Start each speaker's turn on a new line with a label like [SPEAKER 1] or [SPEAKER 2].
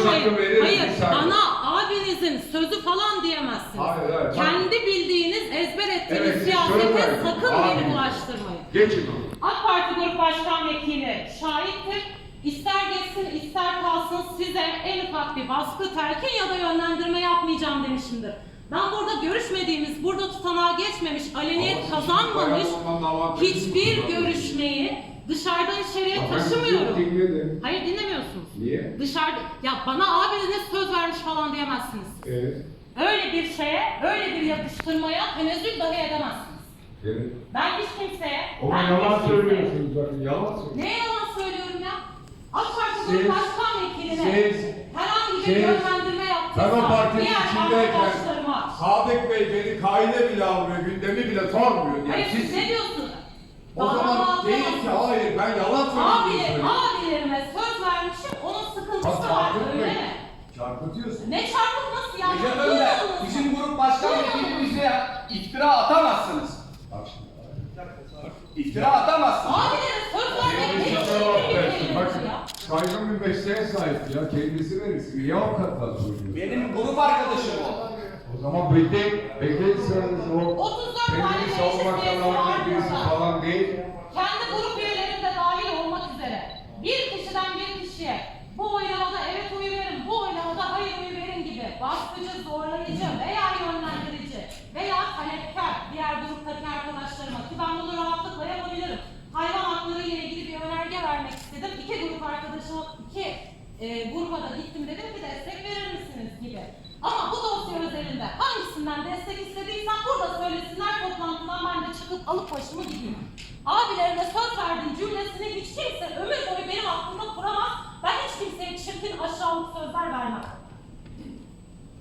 [SPEAKER 1] karıştırmayın. Hayır,
[SPEAKER 2] bana abinizin sözü falan diyemezsiniz.
[SPEAKER 1] Hayır.
[SPEAKER 2] Kendi bildiğiniz, ezber ettiğiniz siyasete sakın beni bulaştırmayın.
[SPEAKER 1] Geçin.
[SPEAKER 2] AK Parti Grup Başkan Vekili şahittir. İster geçsin ister kalsın size en ufak bir baskı, telkin ya da yönlendirme yapmayacağım demişimdir. Ben burada görüşmediğimiz, burada tutanağa geçmemiş, aleniyet kazanmamış hiçbir görüşmeyi dışarıdan içeriye taşımıyorum. Hayır, dinlemiyorsunuz.
[SPEAKER 1] Niye?
[SPEAKER 2] Dışarıda, ya bana abiniz söz vermiş falan diyemezsiniz.
[SPEAKER 1] Evet.
[SPEAKER 2] Öyle bir şeye, öyle bir yapıştırmaya tenezzül dahi edemezsiniz.
[SPEAKER 1] Evet.
[SPEAKER 2] Ben hiç kimseye...
[SPEAKER 1] Ama yalan söylüyorsunuz bakın, yalan söylüyorsunuz.
[SPEAKER 2] Neye yalan söylüyorum ya? AK Parti Grup Başkan Vekiline herhangi bir yönlendirme
[SPEAKER 1] Ben o partinin
[SPEAKER 2] diğer
[SPEAKER 1] içindeyken
[SPEAKER 2] arkadaşlarıma...
[SPEAKER 1] Sadık Bey beni kaide bile almıyor, gündemi bile sormuyor. Yani
[SPEAKER 2] Hayır, siz ne diyorsunuz?
[SPEAKER 1] O zaman değil ki, hayır, ben yalan söylüyorum.
[SPEAKER 2] Abilerime söz vermişim, onun sıkıntısı var, öyle mi?
[SPEAKER 1] Çarpıtıyorsun.
[SPEAKER 2] Ne çarpıtması ya?
[SPEAKER 3] Recep Önder, bizim grup başkan vekilimize iftira atamazsınız.
[SPEAKER 1] Bak şimdi.
[SPEAKER 3] İftira atamazsınız.
[SPEAKER 2] Abilere söz vermek ne için
[SPEAKER 1] Bakın, saygın bir mesleğe sahip ya, kendisi verirsin. Niye avukatlar söylüyor?
[SPEAKER 3] Benim grup arkadaşım o.
[SPEAKER 1] O zaman bekleyin sıranızı o.
[SPEAKER 2] 34 tane
[SPEAKER 1] Kendini
[SPEAKER 2] meclis
[SPEAKER 1] savunmaktan
[SPEAKER 2] üyesi var
[SPEAKER 1] alacak birisi
[SPEAKER 2] burada.
[SPEAKER 1] falan değil.
[SPEAKER 2] Kendi grup üyelerinde dahil olmak üzere bir kişiden bir kişiye bu oylamada evet oyu verin, bu oylamada hayır oyu verin gibi baskıcı, zorlayıcı veya yönlendirici veya talepkar diğer gruptaki arkadaşlarıma, ki ben bunu rahatlıkla yapabilirim. Hayvan hakları ile ilgili bir önerge vermek istedim. İki grup arkadaşıma, gruba da gittim, dedim ki destek verir misiniz gibi. Ama bu dosya özelinde hangisinden destek istediysem burada söylesinler, toplantıdan ben de çıkıp alıp başımı gideyim. Abilerine söz verdiğim cümlesini hiç kimse ömür boyu benim aklımda kuramaz. Ben hiç kimseye çirkin, aşağılık sözler vermem.